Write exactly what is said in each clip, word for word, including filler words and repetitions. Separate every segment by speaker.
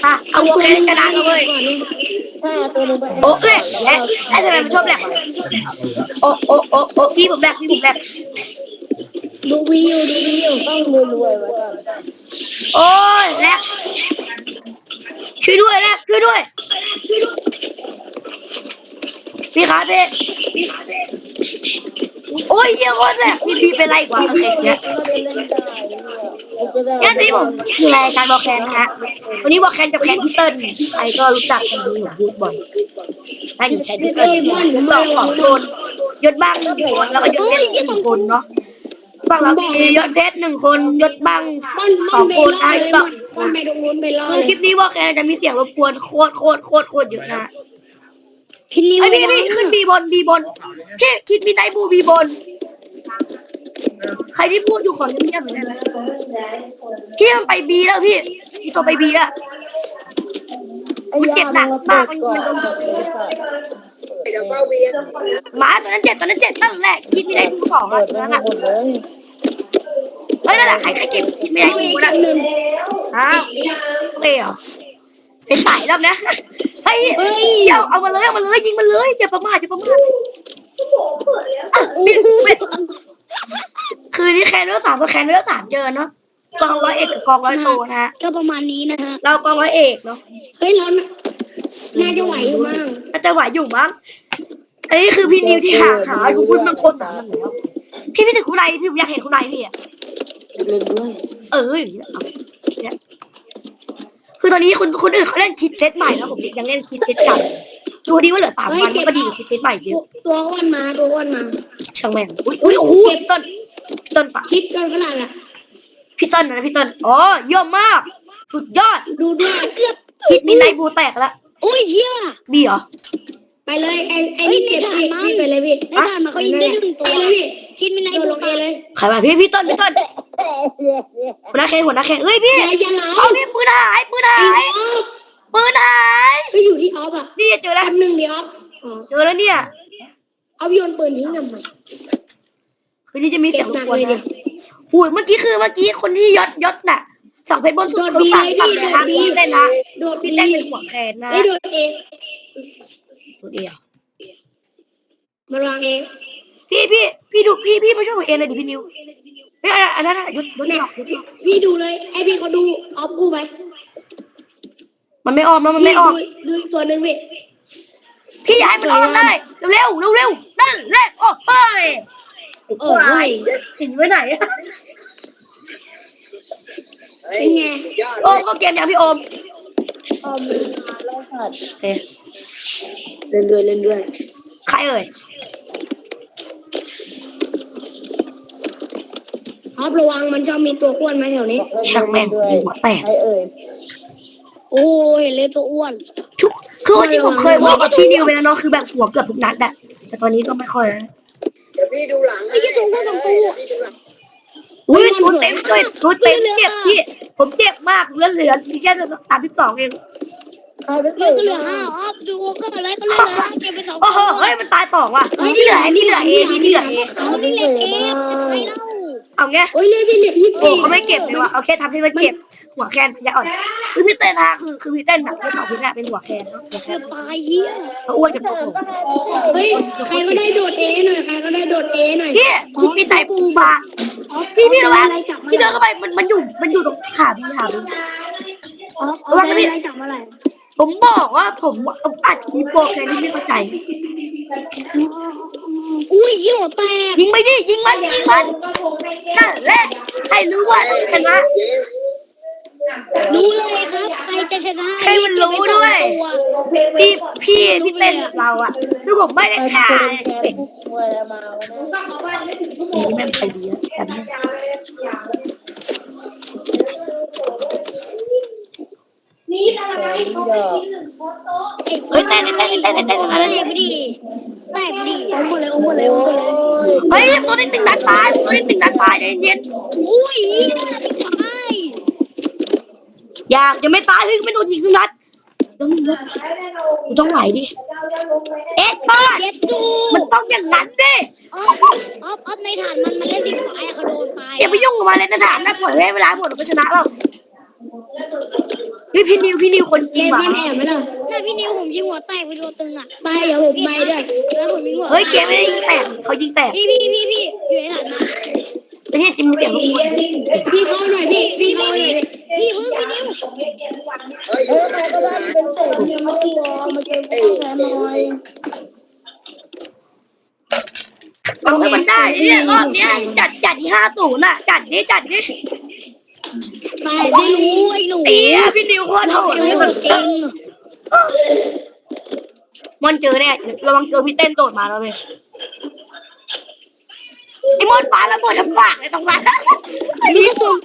Speaker 1: อ่ะเอาโอเคชนะเลย
Speaker 2: ถ้าตัวนึงไป
Speaker 1: โอเคและไอ้ทำไมมันชอบแหลกโอ้โอ้โอ้โอ้พี่ผมแหลกพี่ผมแหลก
Speaker 3: ดูวิวดูวิว
Speaker 2: ต้องรวยๆไว้ก่อน
Speaker 1: โอ้ยแหลกช่วยด้วยแหลกช่วยด้วยพี่ขาพี่โอ้ยเยี่ยมแหลกพี่พี่เป็นไรกว่าโอเคเนี่ยงั้นนี่ผมคือรายการบอกแคนนะฮะวันนี้บอกแคนกับแคนพี่เติ้ลใครก็รู้จักกันดีผมพูดบ่อยถ้าอยู่แคนพี่เติ้ลยศสองสองคนยศบ้างหนึ่งคนแล้วก็ยศเพชรหนึ่งคนเนาะฝั่งเรามียศเพชรหนึ่งคนยศบ้าง
Speaker 3: มัน
Speaker 1: ส
Speaker 3: มั
Speaker 1: อน ง
Speaker 3: ไป
Speaker 1: คน
Speaker 3: ล่อ
Speaker 1: ไอ้
Speaker 3: เลย
Speaker 1: ก็
Speaker 3: มันมันไปตรงนู้นไปล่อ
Speaker 1: คือ
Speaker 3: เลย
Speaker 1: คลิปนี้บอกแคนจะมีเสียงรบกวนโคตรโคตรโคตรโคตรเยอะนะ
Speaker 3: พี่นิว
Speaker 1: ไอ้พี่พี่ขึ้นบีบนบีบนแค่คิดมีไนบูบีบนใครที่พูดอยู่ขอเงียบๆหน่อยได้ไหมพี่มันไปบีแล้วพี่พี่ตัวไปบีแล้วมันเจ็บหนักมากมันมันโดนหมาตัวนั้นเจ็บตัวนั้นเจ็บนั่นแหละคิดมีไนบูสองอ่ะตัวนั้นอ่ะเฮ้ยนั่นแหละใครใครเก็บคิดมีไนบูนะ
Speaker 3: หนึ่ง
Speaker 1: ฮะโอเคเหรอใส่ใส่แล้วนะเฮ้ยเดี๋ยวเอามาเลยเอามาเลยยิงมันเลยอย่าประมาทอย่าประมาทคือนี่แคนเนื้อสามกับแคนเนื้อสามเจอเนาะกองร้อยเอกกับกองร้อยโทนะฮะ
Speaker 3: ก็ประมาณนี้นะฮะ
Speaker 1: เรากองร้อยเอกเนาะ
Speaker 3: เฮ้ยเราน่าจะไหวอยู่มั้ง
Speaker 1: น่าจะไหวอยู่มั้งอันนี้คือพี่นิวที่หาขาทุกคนบางคนหนามันแล้วพี่พี่ถึงคุณนายพี่อยากเห็นคุณนายพี่อ่ะ
Speaker 2: เล่นด้วย
Speaker 1: เอออย่างนี้เนี่ยคือตอนนี้คนคนอื่นเขาเล่นคิดเซตใหม่แล้วผมยังเล่นคิดเซตเก่าดูดีว่าเหลือสามวันก็ดีคิดเซตใหม่เยอะ
Speaker 3: ตัวอ้วนมาตัวอ้วนมา
Speaker 1: ช่างแม่งอุ้ยอุ้ยโอ้โหพี่ต้นพี่ต้นปะ
Speaker 3: คิดกันขนาดอ่ะ
Speaker 1: พี่ต้นนะพี่ต้นอ๋อเยี่ยมมากสุดยอด
Speaker 3: ดูด้วยเกือบ
Speaker 1: คิดมีไนบูแตกแล้ว
Speaker 3: โอ้ยเฮีย
Speaker 1: บีเหรอ
Speaker 3: ไปเลยไอ้ไอ้นี่เก็บพี่พี่ไปเลยพี่
Speaker 4: ไม่ผ่านมาเขายิงได้หนึ่งตัว
Speaker 3: ไปเลยพี่
Speaker 4: คิดไม่ใน
Speaker 3: โดน
Speaker 4: บุ
Speaker 3: ล
Speaker 4: ก
Speaker 3: งเอเลย
Speaker 1: ใครมาพี่พี่ต้นพี่ต้นหัวหน้าแข่งหัวหน้าแข่งเอ้ยพี่
Speaker 3: อย่าอย่าเหลา
Speaker 1: เอาพี่ปืนหายปืนหา
Speaker 3: ไอ้
Speaker 1: ย
Speaker 3: ออฟ
Speaker 1: ปืนหาย
Speaker 3: ก็อยู่ที่ออฟอ่ะ
Speaker 1: นี่เจอแล้ว
Speaker 3: คนหนึ่งดิออฟอ๋อ
Speaker 1: เจอแล้วเนี่ย
Speaker 3: ออฟโยนปืนทิ้งทำไม
Speaker 1: คืนนี้จะมีเสี
Speaker 3: เก็
Speaker 1: ย
Speaker 3: บ
Speaker 1: งร
Speaker 3: หนั
Speaker 1: บ
Speaker 3: ก
Speaker 1: กวน
Speaker 3: เลยดิ
Speaker 1: นะหูยเมื่อกี้คือเมื่อกี้คนที่ยศยศน่ะสั่งเพชรบนสุด
Speaker 3: โดด
Speaker 1: เขา
Speaker 3: บี
Speaker 1: สั่ง
Speaker 3: เลย
Speaker 1: สั่ง
Speaker 3: พี่
Speaker 1: เลย
Speaker 3: โด
Speaker 1: นะ
Speaker 3: ดบี
Speaker 1: พี่เต้นนะ
Speaker 3: โดด
Speaker 1: พี่
Speaker 3: บี
Speaker 1: เต้นเป็นหัวแขนนะ
Speaker 3: ไอ้โดดเอ
Speaker 1: ตัวเดียว
Speaker 3: มาวางเอง
Speaker 1: พี่พี่พี่ดูพี่พี่มาช่วยผมเองเลยดิพี่นิวเฮ้ยอันนั้นยศยศ
Speaker 3: เนี่ย
Speaker 1: หลอกยศหลอก
Speaker 3: พี่ดูเลยไอพี่เขาดูออฟกูไป
Speaker 1: มันไม่ออกมันมัน
Speaker 3: พี่
Speaker 1: ไม่ออก
Speaker 3: ดูดูอีกตัวหนึ่งพี่
Speaker 1: พี่ย้ายมันออกได้เร็วเร็วเร็วๆนั่นแหละโอ้เฮ้ย
Speaker 3: เออเฮ้ย
Speaker 1: เห็นไว้ไหนอะ
Speaker 3: เป็นไง
Speaker 1: โอมก็เกมอย่างพี่โอม
Speaker 2: เอามือมาไล่สัตว์
Speaker 1: โอเค
Speaker 2: เล่นด้วยเล่นด้วย
Speaker 1: ใครเอ่ย
Speaker 3: ออฟระวังมันชอบมีตัวอ้วนมาแถวนี้
Speaker 1: ช่างแม่ง
Speaker 2: ด้วย
Speaker 1: หัวแตก
Speaker 2: ใครเอ่ย
Speaker 4: โอ้ยเห็นเลยตัวอ้วน
Speaker 1: ทุกคือวันที่ผมเคยบอกกับพี่นิวไปแล้วเนาะคือแบบหัวเกือบทุกนัดอะแต่ตอนนี้ก็ไม่ค่อยแล้ว
Speaker 5: เดี๋ยวพี่ดูหลัง
Speaker 4: ไอ้ยี่ตัวอ้วนสองตัว
Speaker 1: อุ้ยชุดเต็มด้วยชุดเต็มเจ็บพี่ผมเจ็บมากเหลือเหลือแค่สามสิบสองเอง
Speaker 2: ใครเป็น
Speaker 4: เหลือก็เหลือห้าออฟดูก็อะไรก็เหลือห้าเก็บไปสอง
Speaker 1: โอ้โหเฮ้ยมันตายสองว่ะที่เหลือที่เหลือเอที่เหลือเอ
Speaker 4: เอานี่เล็กเองใครเล่า
Speaker 1: เอาไง
Speaker 3: โอ้ยเลยพี่เหลือยี่สิบ
Speaker 1: โอ้เขาไม่เก็บเลยว่ะโอเคทำให้มันเก็บหัวแคนยาอ่อนคือพี่เต้นนะคือคือพี่เต้นแบบพี่ต่อพี่น่ะเป็นหัวแคนเนาะหัวแค
Speaker 4: เกือน บตายเฮีย
Speaker 1: เขาอ้วนกับตัวผม
Speaker 3: เฮ้ยใครก็ได้โดดเอหน่อยใครก็ได้โดดเอหน่อย
Speaker 1: พี่คิดมีไตปูมาพี่พี่ระวังพี่เดินเข้าไปมันมันอยู่มันอยู่ตรงขาพี่ขาพี่
Speaker 4: ออฟเอาอะไรจับมาไหน
Speaker 1: ผมบอกว่าผมอัดคลิปโปรแคนที่ไม่เข้าใจ
Speaker 4: อุ้ยเหี้ยแตก
Speaker 1: ยิงไปดิยิงมันยิงมันนั่นแหละให้รู้ว่าต้องชนะ
Speaker 4: รู้เลยครับใครจะชนะ
Speaker 1: ให้มันรู้ด้วยพี่พี่พี่เต้นกับเราอ่ะคือผมไม่ได้
Speaker 2: ใคร
Speaker 1: ฆ่า
Speaker 2: เป็นแก
Speaker 1: เป็น
Speaker 2: ผู้ช่วยมาวะเนี่ย
Speaker 1: นี่แม่งใครดีอะแบบนี้เฮ้ยเต้นเต้นเต้นเต้นเต้นอะไร
Speaker 4: แตกไปดิแตกไปดิเอาหมดเลยเอาหมดเลยเอาหมดเลย
Speaker 1: เฮ้ยตัวนี้หนึ่งนัดตายตัวนี้หนึ่งนัดตายใจเย็น
Speaker 4: อุ้ยตาย
Speaker 1: อย่ายังไม่ตายเฮ้ยไม่โดนยิงทุกนัดต้องยิงนัดกูต้องไหวดิเอ๊ะชอด
Speaker 4: เจ็ดดู
Speaker 1: มันต้องอย่างนั้นดิ
Speaker 4: ออฟออฟออฟในฐานมันมันเล่นสีฟ้าเขาโดนตาย
Speaker 1: อย่าไปยุ่งกับมันเลยนะถามนะปล่อยให้เวลาหมดเราก็ชนะแล้วฮ้ยพี่นิวพี่นิวคนจริ
Speaker 3: เล่
Speaker 1: ง
Speaker 3: น
Speaker 1: ว่ะ
Speaker 3: บ้านแอบไหมล่ะ
Speaker 4: น่าพี่นิวผมยิงหัวแตกไปตัวตึงอ่ะ
Speaker 3: ไปเดี๋ยวผมไปด้วย
Speaker 4: แล้วผมยิงหัว
Speaker 1: เฮ้ยเกมไม่ได้ยิงแตกเขายิงแตก
Speaker 4: พี่พี่พี่พี่อยู่ในฐานมา
Speaker 1: ไอ้เนี่ยจิมเสียงรบกวน
Speaker 3: พี่เข้าหน่อยพี่พี่เข้าหน่อยดิ
Speaker 4: พี่เพิ่งพี่นิว
Speaker 2: เฮ้ยใครก็ได้เป็นเศษยังไม่ได้วอมาเจอผู้แทนหน่อย
Speaker 1: เอาให้มันได้เนี่ยรอบเนี้ยจัดจัดที่ห้าศูนย์อ่ะจัดนี้จัดนี้
Speaker 3: ไปไม่รู้
Speaker 4: ไอ้หนู
Speaker 1: เตี้ยพี่นิวโคตรโหดเลยแบบ
Speaker 4: จริง
Speaker 1: มอนเจอเนี่ยระวังเจอพี่เต้นโดดมาแล้วเว้ยไอ้มอนปาระเบิดทั้งฝากเลยตรงนั้นไอ้นี่ตัว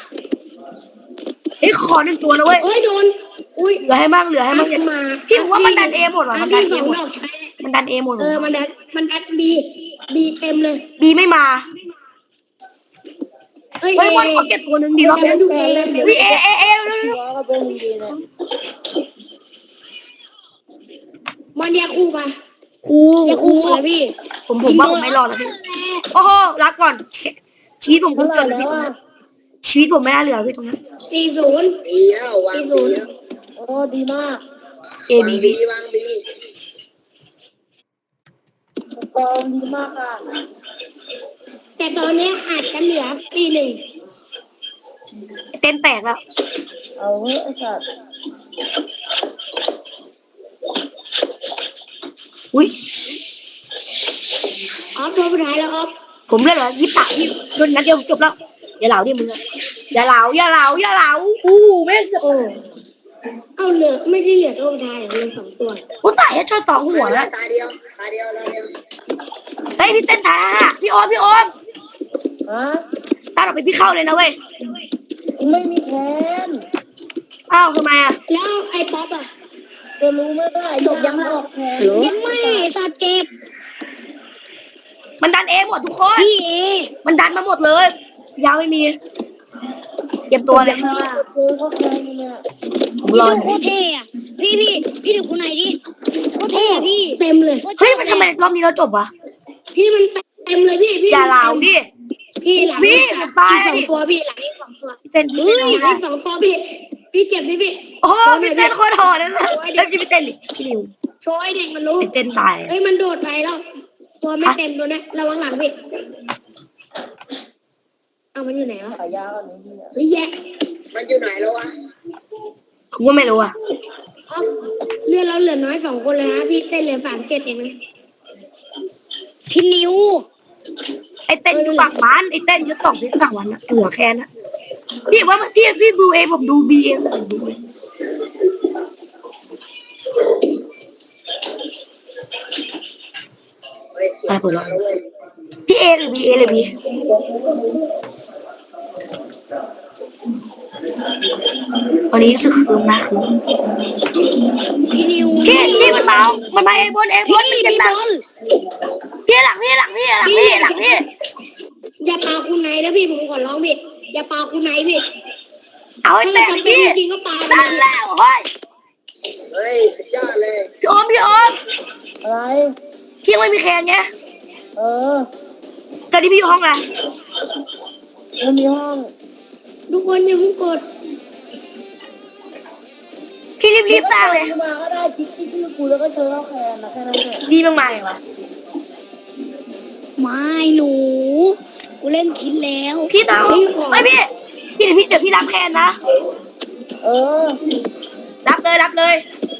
Speaker 1: ไอ้ขอหนึ่งตัวนะเว้ย
Speaker 3: โอ้ยโดนอุ้ย
Speaker 1: เหลือให้มั่งเหลือให้มั่ง
Speaker 3: มา
Speaker 1: พี่ผมว่ามันดันเอหมดว่ะมันดันเอ
Speaker 3: สอง
Speaker 1: หมด
Speaker 3: ดอกใช้
Speaker 1: มันดันเอหมด
Speaker 3: เออมันดันมันดันบีบีเต็มเลย
Speaker 1: บีไม่มา
Speaker 3: เอ้ย
Speaker 1: เฮ้ยมอนขอเก็บตัวหนึ่งดีรอบ
Speaker 3: แต่
Speaker 1: นี้
Speaker 3: มันดูเอง
Speaker 1: วิเอเอเอ
Speaker 2: วอก็เป็นดีนะ
Speaker 3: มันแยกคู่ปะ
Speaker 1: ครู
Speaker 4: อย่า
Speaker 1: ครู
Speaker 4: คู่เลยพี่
Speaker 1: ผมผมว่าผมไม่รอดแล้วพี่โอ้โหรักก่อนชีวิตผม
Speaker 2: เท่า
Speaker 1: เพิ่ง
Speaker 2: ไหร่
Speaker 1: เกิดแล้ว
Speaker 2: แล้
Speaker 1: พี่
Speaker 2: ว
Speaker 1: ตรง
Speaker 2: อ่ะ
Speaker 1: นั้นชีวิตผมไม่น่าเหลือพี่ตรงนั้น
Speaker 3: สี่ศูนย์
Speaker 5: ดีแล้ววาง
Speaker 3: สี่
Speaker 5: ดี
Speaker 3: ศูนย์
Speaker 5: แล้ว
Speaker 2: โอ้ดีมาก
Speaker 1: เอ
Speaker 5: วาง
Speaker 1: บี
Speaker 5: ดี
Speaker 1: บี
Speaker 5: วางดี
Speaker 2: กองดีมากอ่ะ
Speaker 3: แต่ตอนนี้อาจจะเหลือสี่หนึ่ง
Speaker 1: เต้นแตกแล้ว
Speaker 2: เอาเฮ้ยไอ้สัตว์
Speaker 1: อุ้ย
Speaker 3: ออฟตัวสุดท้ายแล้วออฟ
Speaker 1: ผมเล่นเหรอยิบปากพี่โดนนัดเดียวจบแล้วอย่าเหลาดิมึงอะอย่าเหลาอย่าเหลาอย่าเหลาอู้แม่งจะ
Speaker 3: โอ้เอาเหลือไม่ได้เหลือตัวสุดท้ายเหลือสองตัว
Speaker 1: กูใส่ให้ชนสองหัวแล้ว
Speaker 5: ตาเดียวตาเดียวตาเดียว
Speaker 1: เฮ้ยพี่เต้นถ่ายฮะพี่โอมพี่โอม
Speaker 2: ฮะ
Speaker 1: ตาออกไปพี่เข้าเลยนะเว้ย
Speaker 2: กูไม่มีแทน
Speaker 1: อ้าวทำไมอะ
Speaker 3: แล้วไอ้ป๊อปอ่ะ
Speaker 2: จะรู้ไม่ได้จบยังออกแทน
Speaker 4: ยังไม่สัตว์เจ็บ
Speaker 1: มันดันเอหมดทุกคน
Speaker 4: พี่เอ
Speaker 1: มันดันมาหมดเลยยาวไม่มีเตรียมตัวเลย
Speaker 2: เจอเขาแทนเนี่ย
Speaker 1: ผม
Speaker 4: พี่
Speaker 1: รอ
Speaker 4: ดูโคตรเท่อะพี่พี่พี่ดูคนไหนดิโคตรเท่อะพี่
Speaker 3: เต็มเลย
Speaker 1: เฮ้ยมันทำไมรอบนี้เราจบวะ
Speaker 3: พี่มันเต็มเลยพี่พี่
Speaker 1: อย่าเหลาดิ
Speaker 3: พี่หลัง
Speaker 1: พี่
Speaker 3: อีก
Speaker 1: มันตาย
Speaker 3: สอ
Speaker 1: ดิ
Speaker 3: งตัวพี่หลังอีกสองตัว
Speaker 1: พี่เต้นพี่เต้น
Speaker 3: หลังอีกสองตัวพี่พี่เจ็บพี่พี่
Speaker 1: โอ้โหพี่เต้นโคตรโหดเลยนะเฮ้ยพี่เต้นดิพี่นิว
Speaker 3: โชว์ให้เด็กมันรู้
Speaker 1: พี่เต้นตาย
Speaker 3: เอ้ยมันโดดไปแล้ว ตัวไม่เต็มตัวเนี้ยระวังหลังพี่เอามันอยู่ไหนวะ
Speaker 2: ขายากันนี้เนี่ย
Speaker 3: เฮ้ยแยะ
Speaker 5: มันอยู่ไหนแล้ววะ
Speaker 1: ผมก็ไม่รู้อะ
Speaker 3: อ๋อเลือดเราเหลือน้อยสองคนเลยนะพี่เต้นเหลือสามเจ็ดเองนะ
Speaker 4: พี่นิว
Speaker 1: ไอเต้นอยู่ฝั่งมันไอเต้นอยู่สองที่ฝั่งวันนะหัวแคนนะพี่ว่ามันพี่พี่ดูเองผมดูบีเองผมดูเอง
Speaker 5: เฮ้ย
Speaker 1: อะไรเปิดหรอ
Speaker 5: มาเลย
Speaker 1: พี่เอหรือบีเอเลยบีวันนี้รู้สึกคืมนะคืม
Speaker 4: พี่นิว
Speaker 1: พี่พี่มันมามันมาเอบนเอบนมัน
Speaker 4: พี่
Speaker 1: เจ็บ
Speaker 4: พี่
Speaker 1: หนัก
Speaker 4: บอล
Speaker 1: พี่หลังพี่หลังพี่หลังพี่หลังพี่
Speaker 3: อย่าปาคุณไหนนะพี่ผมขอร้องพี่อย่าปาคุณไหนพี่
Speaker 1: เอาไอ้
Speaker 3: ถ้า
Speaker 1: แต
Speaker 3: เรา
Speaker 1: ก
Speaker 3: จำเป็น
Speaker 1: พี่
Speaker 3: จริงๆก็ปาไป
Speaker 1: นั่น
Speaker 3: เลย
Speaker 1: แล้วเฮ้ย
Speaker 5: เฮ้ยสุดยอดเลย
Speaker 1: พี่โอมพี่โอม
Speaker 2: อะไร
Speaker 1: พี่ยังไม่มีแคนไง
Speaker 2: เออ
Speaker 1: ตอนนี้พี่อยู่ห้องอะไร
Speaker 2: มันมีห้อง
Speaker 3: ทุกคนอย่าเพิ่งกด
Speaker 1: พี่รีบรีบสร้างเลย
Speaker 2: มาก็ได้คิดที่ชื่อกูแล้วก็เจอเขาแทนนะแค่นั้นเอง
Speaker 1: ดีมากมายวะ
Speaker 4: ไม่หนูกูเล่นคิดแล้ว
Speaker 1: พี่ต้องไม่พี่พี่เดี๋ยวพี่เดี๋ยวพี่รับแคนนะ
Speaker 2: เออ
Speaker 1: รับเลยรับเลย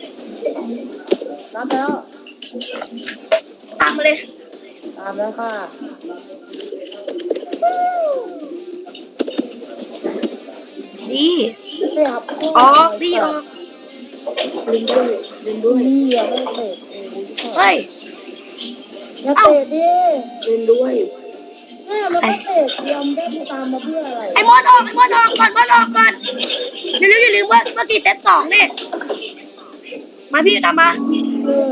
Speaker 2: รับแล้ว
Speaker 1: ตามมาเลย
Speaker 2: ตามแล้วค่ะ
Speaker 1: ดี
Speaker 2: เสียบ
Speaker 1: ออกดีออก
Speaker 2: ลินด้วยลินด้วยนี่ยังไม่เตะ
Speaker 1: เฮ้ย
Speaker 2: อย่าเตะดิ
Speaker 5: ลินด้วย
Speaker 2: แม่มันก็เตะเตรียมได้กูตามมาเพื่ออะไร
Speaker 1: ไอ้มอนออกไอ้มอนออกก่อนมอนออกก่อนอย่าลืมอย่าลืมว่าเมื่อกี้เซตสองเนี่ยมาพี่ตามมา
Speaker 2: เออ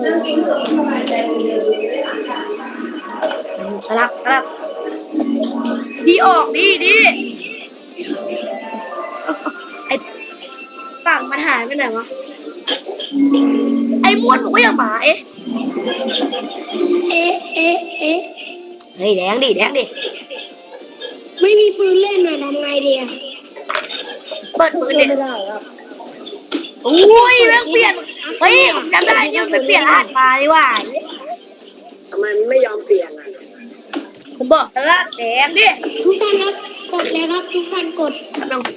Speaker 1: สลับสลับดีออกดีดีไอ้ฝั่งมันหายไปไหนวะไอ้ม้วนบอกว่าอย่าหมาเอ๊ะ
Speaker 3: เอ๊ะเอ๊ะเอ๊ะ
Speaker 1: เฮ้ยแดงดิแดงดิ
Speaker 3: ไม่มีปืนเล่นน่ะทำไงดีอะ
Speaker 1: เปิดปืนดิ
Speaker 2: ไม่ได้ครับ
Speaker 1: อุ้ยแม่งเปลี่ยนเฮ้ยผมจำได้ที่มันเปลี่ยนรหัสมาดีว่า
Speaker 5: ทำไมมันไม่ยอมเปลี่ยนอ่ะ
Speaker 1: ผมบอกแล้วแดงดิ
Speaker 3: ทุกท่านครับกดเลยครับทุกท่านกด
Speaker 1: ลอง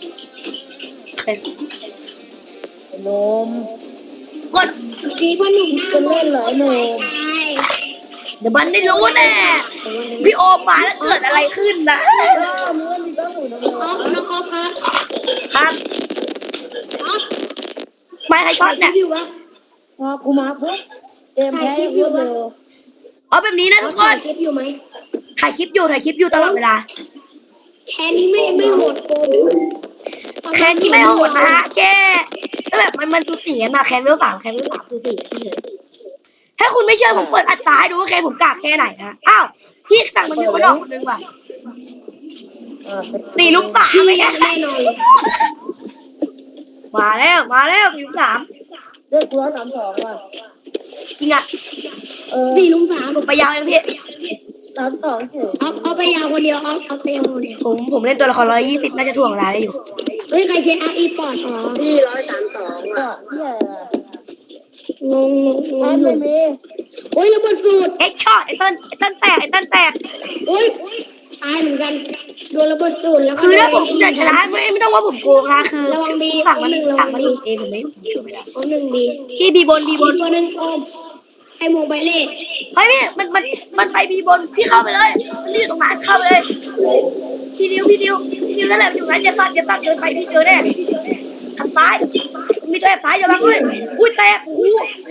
Speaker 2: นม
Speaker 1: กด
Speaker 3: ดีพ่อหนุ่มหน้า
Speaker 2: จะเล่นเหรอหนู
Speaker 3: ใช่
Speaker 1: เดี๋ยวมันได้รู้แน่พี่โอมมาแล้วเกิดอะไรขึ้นนะ
Speaker 2: ก็มึงมีก็หนูนะ
Speaker 3: ออฟน้องออฟครับ
Speaker 1: ครับ
Speaker 3: ออฟ
Speaker 1: ไม่ให้ช็อตเนี่ย
Speaker 3: อยู่วะ
Speaker 2: พอกูมาปุ๊บเกมแพ้เยอะเลย
Speaker 1: เอาแบบนี้นะทุกคน
Speaker 3: คลิปอยู่ไหม
Speaker 1: ถ่ายคลิปอยู่ถ่ายคลิปอยู่ตลอดเวลา
Speaker 3: แค่นี้ไม่ไม่โหดโกง
Speaker 1: แคนที่ไม่โหดนะฮะแค่ก็แบบมันมันสูสีกันมาแคนเวลสามแคนเวลสามสูสีเฉยถ้าคุณไม่เชื่อผมเปิดอัตราให้ดูว่าแคนผมกากแค่ไหนนะอ้าวพี่สั่งมันมีคนออกคนนึงว่ะสี่ลุมสามไม่แค่
Speaker 3: แน่นอนเลย
Speaker 1: มาแล้วมาแล้วสี่ลุมสาม
Speaker 2: เลือกกูร้อยสามสองว่ะ
Speaker 1: จริงอ่ะ
Speaker 2: เออ
Speaker 3: สี่ลุมสาม
Speaker 1: ผมไปยาวยังพี่
Speaker 2: สามสองเฉย
Speaker 3: เอาเอาไปยาวคนเดียวเอาเอาไปยาวคนเดียว
Speaker 1: ผมผมเล่นตัวละครร้อยยี่สิบน่าจะถ่วงเวลาได้อยู่
Speaker 3: เฮ้ยใครใช้อาร์อีปอดอ๋อ
Speaker 5: พี่ร้อยสามสอง
Speaker 2: ก็
Speaker 5: อ่ะ
Speaker 2: เหี้ย
Speaker 3: งงงงง
Speaker 2: แพ้
Speaker 3: งอ
Speaker 2: ไม่
Speaker 3: ยู่
Speaker 2: มี
Speaker 3: โอ้ยระเบิดสูตร
Speaker 1: เอ็กช็อตไอ้ต้นไอ้ต้นแตกไอ้ต้นแตก
Speaker 3: โอ้ยตายเหมือนกันโดนระเบิดสูตรแล้วก็
Speaker 1: คือถ้าผมอยากชนะไม่ไม่ต้องว่าผมโกงนะคือ
Speaker 3: ระวังบี
Speaker 1: สั่งมัน
Speaker 3: ระวั
Speaker 1: สั่ง
Speaker 3: ง
Speaker 1: มัน
Speaker 3: บี
Speaker 1: เองผมไม่ผมช่วยไม่ได้
Speaker 3: เอาหนึ่งดี
Speaker 1: ที่บีบนบีบ
Speaker 3: อี
Speaker 1: น
Speaker 3: กตัวหนึ่งโอมไอ้โมงใบเล่
Speaker 1: เฮ้ยพี่มันมันมันไปบีบนพี่เข้าไปเลยมันอยู่ตรงนั้นเข้าไปเลยพี่ดิวพี่ดิวพี่ดิวนั่นแหละอยู่นั้นอย่าสั่นอย่าสั่นเดินไปพี่เจอแน่ทางซ้ายมีตัวแอบซ้ายอย่าบังเลยอุ้ยแตกโอ้โห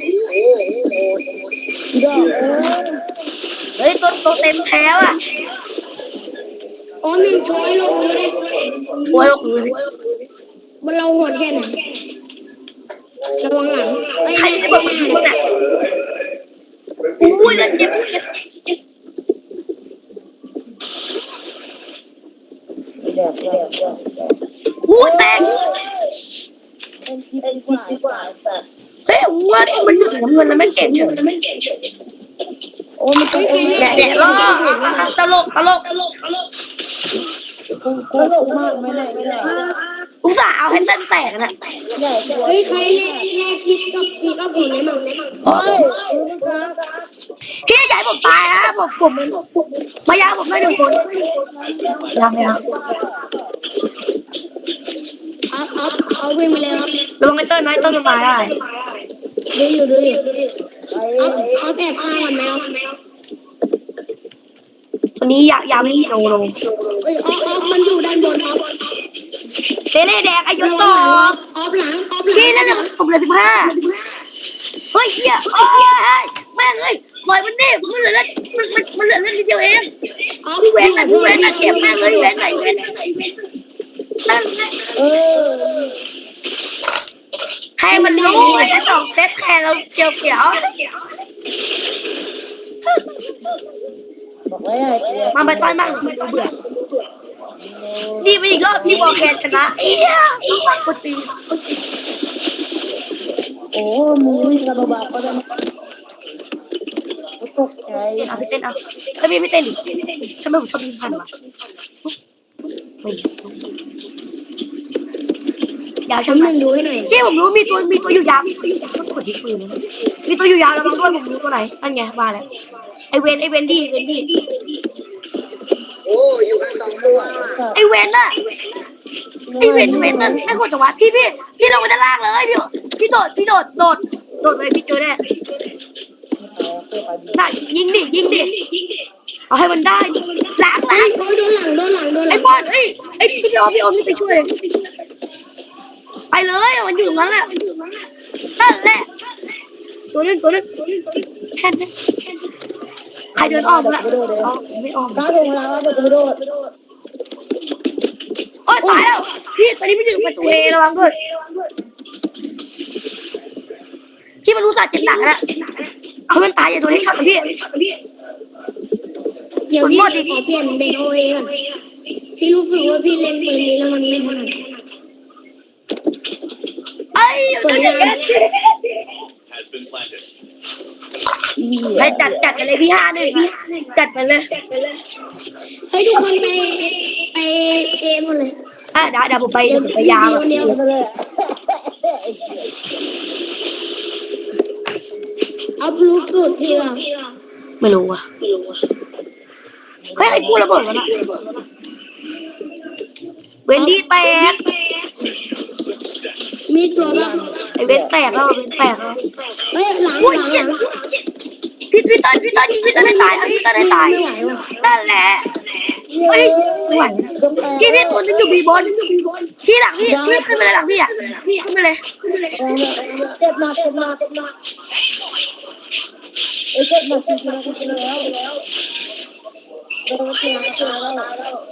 Speaker 2: ดอกเออ
Speaker 1: เฮ้ยตัวตัวเต็มแถวอ่ะ
Speaker 3: โอมหนึ่งช้อยลงเลย
Speaker 1: โอ้ยโอ้โห
Speaker 3: มันเราโหดแค่ไหนระวังหลังไอ้
Speaker 1: ใคร
Speaker 3: แม่
Speaker 1: จะบอกมันมึงอ่ะอุ้ยแล้วเจ็บเจ็บ
Speaker 2: เด็กเด็กเด็ก
Speaker 1: อุ้ยแตก
Speaker 2: เป็นคิดดีกว่าดีกว่าแต่
Speaker 1: เฮ้ยวัวมันอยู่สีน้ำเงินแล้วไม่เก่งเฉย
Speaker 2: โอ้มันต้อง
Speaker 1: แดดแดดล่อตลกตลก
Speaker 2: กูกูตลกมากไม่ได้ไม่ได้
Speaker 1: อุตส่าห์เอาให้เต้นแตกนะ
Speaker 2: ใหญ่กว่า
Speaker 3: เฮ้ยใครแลกแลกคิดกับคิดกับฝุ่นได้มั้ง
Speaker 2: เฮ้ยลูกค้า
Speaker 1: พี่ใหญ่ผมตายนะผมผมมายาผมไม่หนึ่งคนยังไม่ยัง
Speaker 3: เอาเอาเอาวิ่งมาเลยครับ
Speaker 1: ระวังไอ้เต้นนะไอ้เต้นมันมาได้
Speaker 3: ดูอยู่ดูอยู่
Speaker 2: ไอ้
Speaker 3: เอาเอาแอบข้างกันไหมครับ
Speaker 1: วันนี้ยาวยาวไม่มีโนลง
Speaker 3: เอ้ยออฟออฟมันอยู่ด้านบนออฟ
Speaker 1: เตเล่แดงไอ้ย
Speaker 3: ระ
Speaker 1: ศ
Speaker 3: วั
Speaker 1: ต่
Speaker 3: ง
Speaker 1: อ
Speaker 3: หลังออฟออฟหลังออฟหลัง
Speaker 1: พี่นั่นแหละผมเหลือสิบห้าเฮ้ยเหี้ยโอ้ยแม่งเอ้ยปล่อยมันดิมันเหลือเลือดมันมันมันเหลือเลือดนิดเดียวเอง
Speaker 3: ออฟ
Speaker 1: พี่เว้นหน่อยพี่เว้นหน่อยเก็บแม่งเลยเว้นหน่อยเว้นนั่นไง
Speaker 2: เออ
Speaker 1: ให้มันรู้ไอ้สองเซตแค่เราเกี่ยวเกี่ยว
Speaker 2: บอกไว้ไอ้กู
Speaker 1: มาไปต้อยมากคุณดูเบื่อนี่ไปอีกรอบที่บอลแคนชนะเอี้ยต้องฟังคนตี
Speaker 2: โอ้มึงวิ่งกับบ้าก็ได้ตกใจ
Speaker 1: เต้นเอาพี่เต้นเอาถ้าพี่ไม่เต้นดิทำไมผมชอบยิงพันวะไม่ยาว
Speaker 3: ชั้
Speaker 1: ช่าน ง
Speaker 3: ห
Speaker 1: ไหน
Speaker 3: นึ่งดูให้หน่อย
Speaker 1: เจ๊ผมรู้มีตัวมีตัวอยู่ยาวต้องกดที่ปืนนะมีตัวอยู่ยาวระวังด้วยผมรู้ตัวไหนนั่นไงมาแล้วไอเวนไอเวนดี้เวนดี้
Speaker 5: โอ้อยู่กันสองตัว
Speaker 1: ไอเวนน่ะไอเวนเวนนั่นไม่ควรจะวัดพี่พี่พี่ลงมาด้านล่างเลยพี่พี่โดดพี่โดดโดดโดดเลยพี่เจอแน่น่ะยิงดิยิงดิเอาให้มันได้ล้าง
Speaker 3: เฮ้
Speaker 1: ล้าย ง
Speaker 3: โอ้ยโดนหลังโดนหลังโดนห
Speaker 1: ไอ
Speaker 3: ลัง
Speaker 1: บอลเอ้ยไอพี่พี่อมพี่อมนี่ไปช่วยไปเลยมันอยู่ตรงนั้นแหละนั่นแหละตัวนึงตัวนึงแค่นั้นใครเดินอ้อมละอ๋อไม่อ้อม
Speaker 2: ก้าวลงแล้วเดี๋ยวกูโดด
Speaker 1: โอ๊ยตายแล้วพี่ตอนนี้ไม่ถึงประตูเอระวังด้วยพี่มันรู้สัตว์เจ็บหนักแล้วเอามันตายอย่าโดนให้ช็อตนะพี่
Speaker 3: เดี๋ยวพี่ขอเปลี่ยนเป็นโอเอก่อนพี่รู้สึกว่าพี่เล่นปืนนี้แล้วมันไม่ถนัด
Speaker 1: ไอ้เดี๋ยวเดี๋ยวเดี๋ยวไปจัดจัดไปเลยพี่ห้าหนึ่งจัดไปเลย
Speaker 3: เฮ้ยทุกคนไปไปเอหมดเลย
Speaker 1: อ่ะเดี๋ยวเดี๋ยวผมไปเดี๋ยวผมไปยาว
Speaker 3: เดียว
Speaker 2: ไปเลยไอ้
Speaker 3: เอารู้สูตรพี่เหรอ
Speaker 1: ไม่รู้อ่ะเฮ้ยไอ้กูระเบิดวะน่ะเวนดี้แตก
Speaker 3: มีตัวบ้าง
Speaker 1: ไอ้เวนแตกแล้วเวนแตกแล้ว
Speaker 3: เฮ้ยหลัง
Speaker 1: อุ้ย
Speaker 3: หลังห
Speaker 1: เหี้ย
Speaker 3: ลัง
Speaker 1: พี่พี่ต้นพี่ต้นยิงพี่ต้นได้ตายเอาพี่ต้นได้ตายนั่นแหละเฮ้ยไม่ไหวนะพี่พี่ตัวนึงอยู่บีบนพี่หลังพี่พี่ขึ้นไปเลยหลังพี่อ่ะขึ้นไปเลย
Speaker 2: เจ็บหนักเจ็บหนักเจ็บหนักเอ้ยเจ็บหนักจริงๆนะจริงๆแล้วโดนเสียงเสียงแล้ว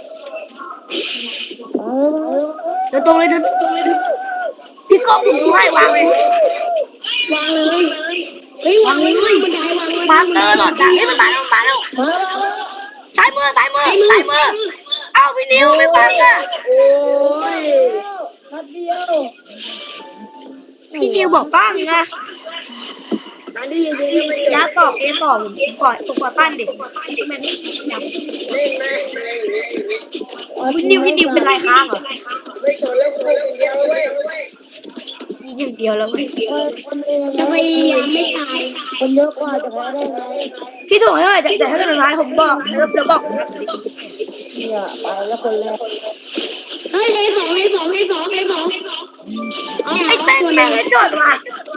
Speaker 1: เดินตรงเลยเดินพี่ก้องผมดูให้วางเลยว
Speaker 3: างเลยเฮ้ยวางเลยบันไดวาง
Speaker 1: มาเตอร์หลอดอ่ะเฮ้ยมันมาแล้วมันมาแล้ว
Speaker 2: มาแล้ว
Speaker 1: ซ้ายมือซ้ายมือซ้ายมือเอาพี่นิวไม่ฟังอ่ะ
Speaker 5: โอ้ย
Speaker 2: นัดเดียว
Speaker 1: พี่นิวบอกฟังไง
Speaker 5: ตอนนี้จริงๆมันจะ
Speaker 1: ยาตอบเอตอบก่อนตัวก่อต้านเด็กแม่ง
Speaker 5: เล่นไหมเล่นอยู่นี่
Speaker 1: พี่นิวพี่นิวเป็นไรค้างเหรอ
Speaker 5: ไม่สนแล้วกูคนเดียวเว้ย
Speaker 1: มีอย่างเดียวแล้วเว้ย
Speaker 2: คนเอง
Speaker 3: จะพยายามไม่ตาย
Speaker 2: คนเยอะกว่าจะแพ้ได้ไง
Speaker 1: พี่ถูกให้หน่อยแต่ถ้าเกิดร้ายผมบอกแล้วเดี๋ยวบอก
Speaker 2: เนี่ยไปแล้วคนแรก
Speaker 3: เฮ้ยให้สองให้สองให้สองให้สองเอา
Speaker 1: ไอ้
Speaker 3: เอา
Speaker 1: เต้น
Speaker 3: ตัว
Speaker 1: แม่
Speaker 3: นึ
Speaker 1: ง
Speaker 3: ง
Speaker 1: ให้จอดมา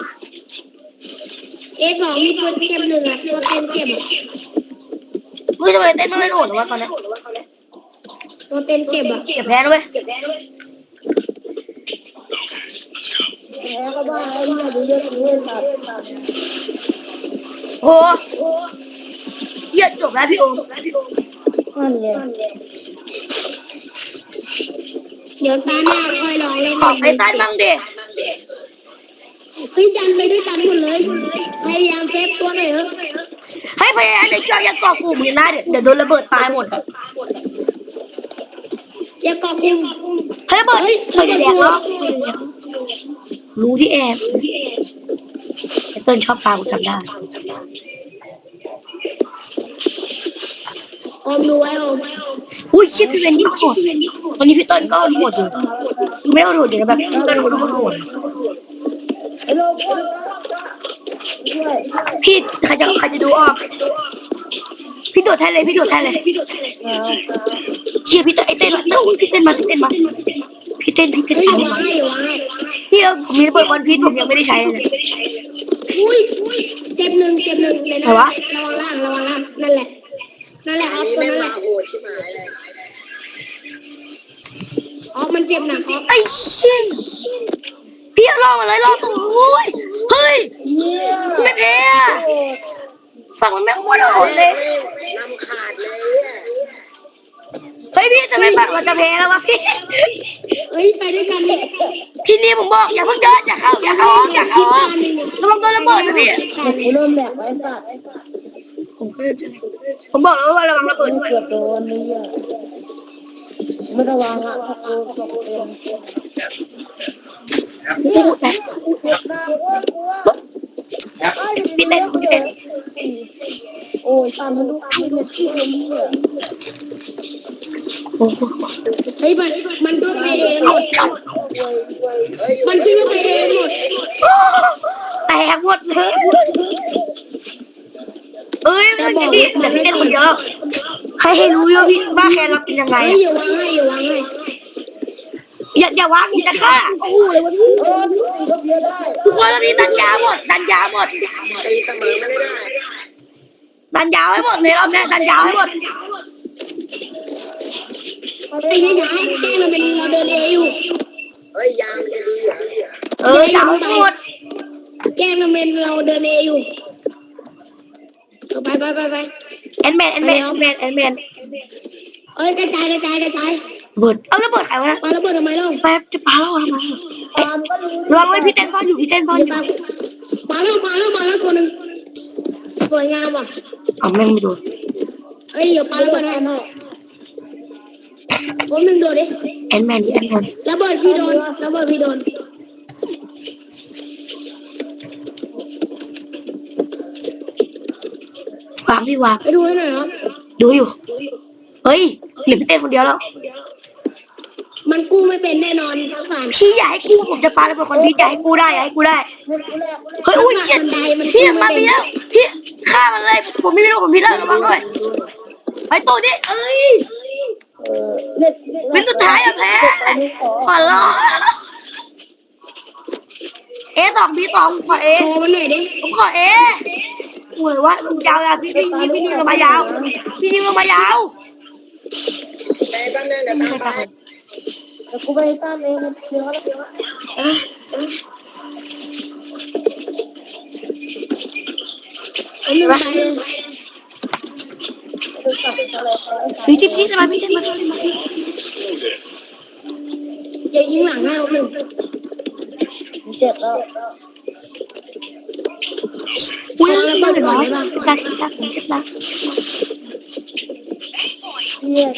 Speaker 3: เอสองมีตัวเก็บหนึ่งอ่ะตัวเต็มเก็บ
Speaker 1: มึงจะไปเต้นไม่โหดหรอวะตอนนี้
Speaker 3: ตัวเต็มเก็บอ่ะ
Speaker 1: เก็บแพ้นะเว้ย
Speaker 2: แพ้ก็บ้าไอ้เนี่ยดูเยอะดูเยอะสัตว์
Speaker 1: โอ้เหี้ยจบแล้วพี่โอม
Speaker 2: นั่นไง
Speaker 3: เดี๋ยวตาหน้าค่อยลองเล่น
Speaker 1: ขอไปต้านบ้างดิ
Speaker 3: เฮ้ยดันไปด้วยกันหมดเลยพยายามเซฟตัวหน่อยเถอะ
Speaker 1: ให้พยายามเดี๋ยวจอยอย่าเกาะกลุ่มเลยนะเดี๋ยวเดี๋ยวโดนระเบิดตายหมด
Speaker 3: อย่าเกาะกลุ่ม
Speaker 1: ให้ระเบิดเฮ้ยไม่ได้แดกหรอกรู้ที่แอบไอ้เต้นชอบปลากูจำได้
Speaker 3: อมดูไว้อม
Speaker 1: อุ้ยชิปพี่เวนนี่โหดตอนนี้พี่เต้นก็โหดอยู่ไม่โหดอยู่นะแบบพี่เต้นโหดโหด
Speaker 2: ไอ้โลกด้วยด้วย
Speaker 1: พี่ใครจะใครจะดูออกพี่โดดแทนเลยพี่โดดแทนเลย
Speaker 2: เอา
Speaker 1: เชียร์พี่เต้นไอ้เต้นมาเต้นพี่เต้นมาพี่เต้นมาพี่เต้นพี่เต้น
Speaker 3: เฮ้ยอ
Speaker 1: เอา
Speaker 3: ย่าวางให้อย่าวางให้
Speaker 1: พี่เออผมมีระเบิดวันพีชผมยังไม่ได้ใช้เลย
Speaker 3: อุ้ยเจ็บหนึ่งเจ็บหนึ่งเลยนะ
Speaker 1: ไหนวะ
Speaker 3: ระวังล่างระวังล่างนั่นแหละนั่นแหละอ
Speaker 5: อั
Speaker 3: อน ฟ
Speaker 5: นี้
Speaker 3: ตัว
Speaker 5: ไม่
Speaker 3: นั้นแห
Speaker 5: มา
Speaker 3: ละ
Speaker 5: โหดชิบหายเลย
Speaker 3: ออฟมันเจ็บหนักออฟ
Speaker 1: ไอ้เชี่ยพี่เอาล่อมาเลยล่อตัวโอ้ยเฮ้ย
Speaker 2: เนี่ย
Speaker 1: ไม่แพ้อะฝั่งมันไม่โคตรโหดเลย
Speaker 5: นำขาดเลยอ่ะ
Speaker 1: เฮ้ยพี่จะไม่ฝั่งมันจะแพ้แล้ววะพี่
Speaker 3: เฮ้ยไปด้วยกันดิ
Speaker 1: พี่นี่ผมบอกอย่าเพิ่งเดินอย่าเข้าอย่าเข้าอย่าเข้าระวังโดนระเบิดนะพี่
Speaker 2: กูเริ่มแหลกไว้สัตว์
Speaker 1: ผมก็จะผมบอกแล้วว่าระวังระเบิดด้วย
Speaker 2: เกือบโดนนี่อ่ะไม่ระวังอ่ะกูตกเป็น
Speaker 1: พูดแต่
Speaker 2: เจ็บหน้าโอ้ยกลัว
Speaker 1: พี่เต้นพี่เต้น
Speaker 2: โอ้ยตามมันดูที่เนี่ยที่เนี่ย
Speaker 1: โอ้โห
Speaker 3: เฮ้ยมันมันก็ไปเองหมด
Speaker 5: เฮ้ย
Speaker 3: มันคิดว่าไปเองหมด
Speaker 1: แตกหมดเลยเอ้ยมันจะดีแต่พี่เต้นคนเดียวใครให้รู้ว่าพี่ว่าแค่เราเป็นยังไง
Speaker 3: เฮ้ยอย่าวางให้อย่าวางให้
Speaker 1: อย่าอย่าวางผมจะฆ่าโอ้โหเลยวันนี้
Speaker 2: เออพี่ตีก็เพี้ยได้
Speaker 1: ทุกคนตอนนี้ดันยาวหมดดันยาวหมด
Speaker 5: ตีเสมอไม่ได้
Speaker 1: ดันยาวให้หมดเลยรอบนี้ดันยาวให้หมด
Speaker 3: ตีช้าๆแกล้งเราเป็นเราเดินเออยู่
Speaker 5: เฮ้ยยางมันจะดีเหรอ
Speaker 1: เออยาวให้หมด
Speaker 3: แกล้งเราเป็นเราเดินเออยู่เอาไปไปไปไป
Speaker 1: แอนแมนแอนแมนแอนแมนแอนแมน
Speaker 3: เอ้ยกระจายกระจายกระจาย
Speaker 1: เบิดเอาระเบิดใครวะนะ
Speaker 3: ปาระเบิดทำไมเล่า
Speaker 1: แป๊บจะปาแล้วทำไม
Speaker 2: ตามก็รู้
Speaker 1: ลองไว้พี่เต้นซ่อนอยู่พี่เต้นซ่อนอยู่
Speaker 3: มาแล้วมาแล้วมาแล้วตัวหนึ่งสวยงามว่ะ
Speaker 1: อ๋อแม่งไม่โดน
Speaker 3: เอ้ยเดี๋ยวปาระเบิดให้คนหนึ่งโดดดิ
Speaker 1: แอนแมนดิแอนแมน
Speaker 3: ระเบิดพี่โดนระเบิดพี่โดน
Speaker 1: วางพี่วาง
Speaker 3: ไปดูให้หน่อยครับ
Speaker 1: ดูอยู่เฮ้ยเหลือพี่เต้นคนเดียวแล้ว
Speaker 3: มมันกู้ไม่เป็นแน่นอนทั้งสาม
Speaker 1: พี่อย่าให้กูผมจะปาระเบิดคนพี่อย่าให้กูได้อย่าให้กูได้เฮ้ยอุ้ยเชี่ยพี่มาพี่แล้วพี่ฆ่ามันเลยผมไม่รู้ผมพี่แล้วระวังด้วยไอ้ตัวนี้เอ้ย
Speaker 2: เออเน็ต
Speaker 1: เป็นสุดท้ายอะแพ้ขอร้องเอสองบีสองขอเอ
Speaker 3: โชว์มันหน่อยดิ
Speaker 1: ผมขอเอโอ้ยวะลุงยาวอะพี่พี่พี่พี่นิวลงมายาวพี่นิวลงมายาว
Speaker 5: ในบ้านนึงเดี๋ยวตามไป
Speaker 2: เดี๋ยวกูไปตามเองเดี๋ยวเดี๋ยว
Speaker 3: เอาหนึ่งไปเลย
Speaker 2: จะตัดอะไรไป
Speaker 1: พี่ที่พี่จะมาพี่จะมาพี่จะมา
Speaker 3: อย่ายิงหลังให้เอาหนึ่ง
Speaker 2: เจ็บแล้ว
Speaker 1: อุ้ยระเบิดเหรอจักจักผมเจ็บแล้ว
Speaker 2: เยี่ย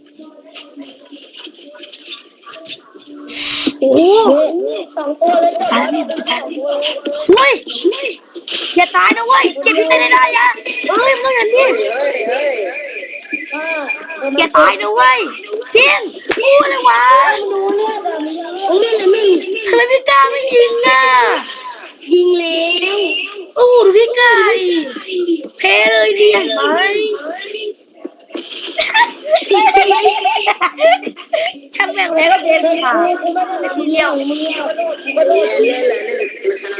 Speaker 1: โอ้โห
Speaker 2: สองตัวเลย
Speaker 1: ตายแล้วตายเฮ้ยอย่าตายนะเว้ยเก็บพี่เต้นได้ยะเอ้ยมึงอย่างนี้
Speaker 5: เฮ้ยเฮ้ย
Speaker 2: อ่า
Speaker 1: อย่าตายนะเว้ยจริงกูเลยวะ
Speaker 2: ดูเลือดอ่ะมันยัง
Speaker 3: เอาเล่นละหนึ่ง
Speaker 1: ทำไมพี่กล้าไม่ยิงอ่ะ
Speaker 3: ยิงแล้ว
Speaker 1: โอ้โหดูพี่กล้าดิเพเลยเนี่ยไป
Speaker 3: ผิดใช่ไหม
Speaker 1: ช่างแม่งแล้วก็เพพี่ค่ะเป็นทีเดียว
Speaker 2: มึงเนี่ย
Speaker 5: เล่นเล่นเลยนี่มาชนะ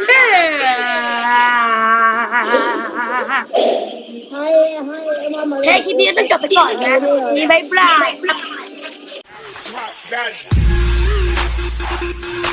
Speaker 2: ให้ให้มามา
Speaker 1: แค่คลิปนี้ต้องจบไปก่อนนะมีบายบาย
Speaker 6: Drop that.